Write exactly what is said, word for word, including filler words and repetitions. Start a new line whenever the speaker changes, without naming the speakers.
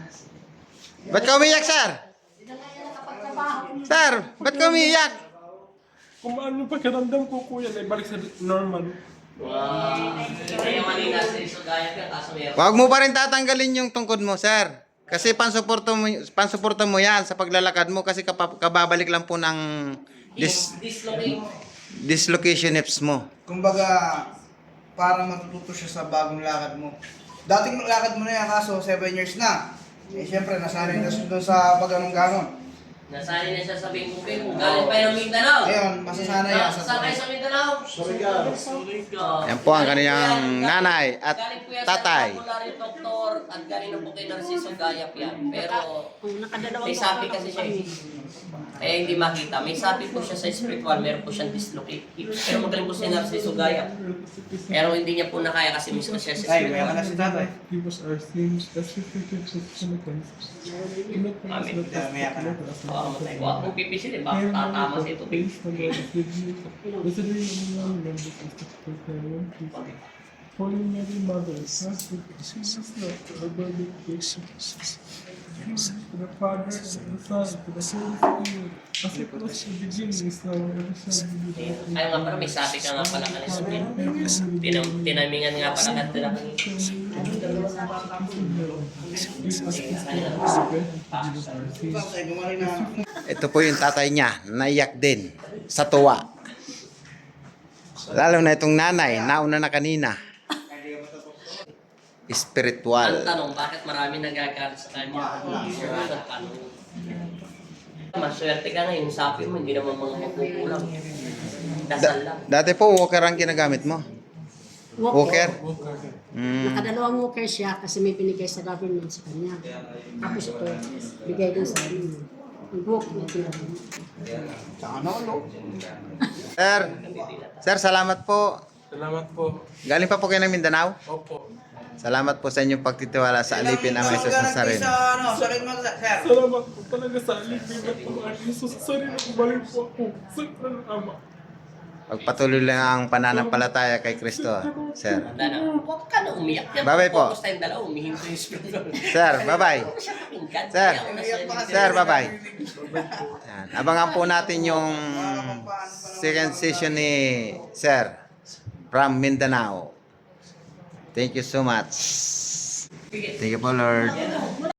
Ba't ka umiyak, sir? Sir, ba't ka umiyak?
Kung ano pakiramdam ko, kuya, na ibalik sa normal.
Huwag mo pa rin tatanggalin yung tungkod mo, sir. Kasi pansuporto mo, pansuporto mo yan sa paglalakad mo kasi kapa, kababalik lang po ng dis, dislocation hips mo.
Kumbaga, para matututo siya sa bagong lakad mo. Dating lakad mo na yan, kaso seven years na. Eh, syempre, nasanay na siya doon sa pag-anong-ganon.
Nasanay na siya sa bingkupin. Kung galing pa yung Mindanao.
Ngayon, masasanay yan sa
Sasakay sa Mindanao.
Yan po ang kaniyang nanay at
Galing po yan
tatay.
sa popular doktor at galing na po kay Narciso Gayap yan. Pero may sapi kasi siya eh. Kaya hindi makita. May sapi po siya sa spiritual. Meron po siyang dislocate hips. Pero magaling po si Narciso Gayap. Pero hindi niya po nakaya kasi mismo siya sa
Ay,
spiritual.
meron na si tatay.
Give us our sins, as we forgive those who sin against us.
Amen.
May ka na.
Oo, matay. Huwag mong pipisilin. Baka tatama sa ito.
Holy Mary, Mother, ask for Jesus, Lord, to our burden, Jesus. To the Father, and the Son, to the Holy Spirit, as it was in the beginning, is now, and ever shall be.
Ayaw nga pala, may sabi ka nga pala kanina. Tinam tinamingan nga pala ka tila.
Ay, gumaling na.
Ito po yung tatay niya, naiyak din sa tuwa. Lalo na itong nanay, nauna na kanina.
Ang
Spiritual.
tanong, bakit marami nagagalit sa kanya? Ang tanong. Maswerte ka nga, yung sapi mo, hindi naman mga makukulang. Dasal lang.
Dati po, walker ang ginagamit mo. Walker? Mm.
Nakadalawang walker siya kasi may binigay sa government sa kanya. Tapos ito, bigay din sa amin. Yung book na tinawag.
Sa ano, no?
Sir, sir, salamat po.
Salamat po.
Galing pa po kayo ng Mindanao?
Opo.
Salamat po sa inyong pagtitiwala sa alipin ng Jesus Nazareno.
Sa ano, sakit mo, sir.
Salamat po talaga sa alipin at Panginoon Jesus. Sorry na kumaling po ako. Sakra ng Ama.
Pagpatuloy lang ang pananampalataya kay Kristo, sir.
Wala na. Huwag ka na umiyak. Yan,
Bye-bye po.
focus tayong dalawa, umihinto yung spiritual.
Sir, bye-bye. Sir. Sir, bye-bye.
Bye-bye.
Yan. Abangan po natin yung second session ni Sir from Mindanao. Thank you so much. Thank you po, Lord.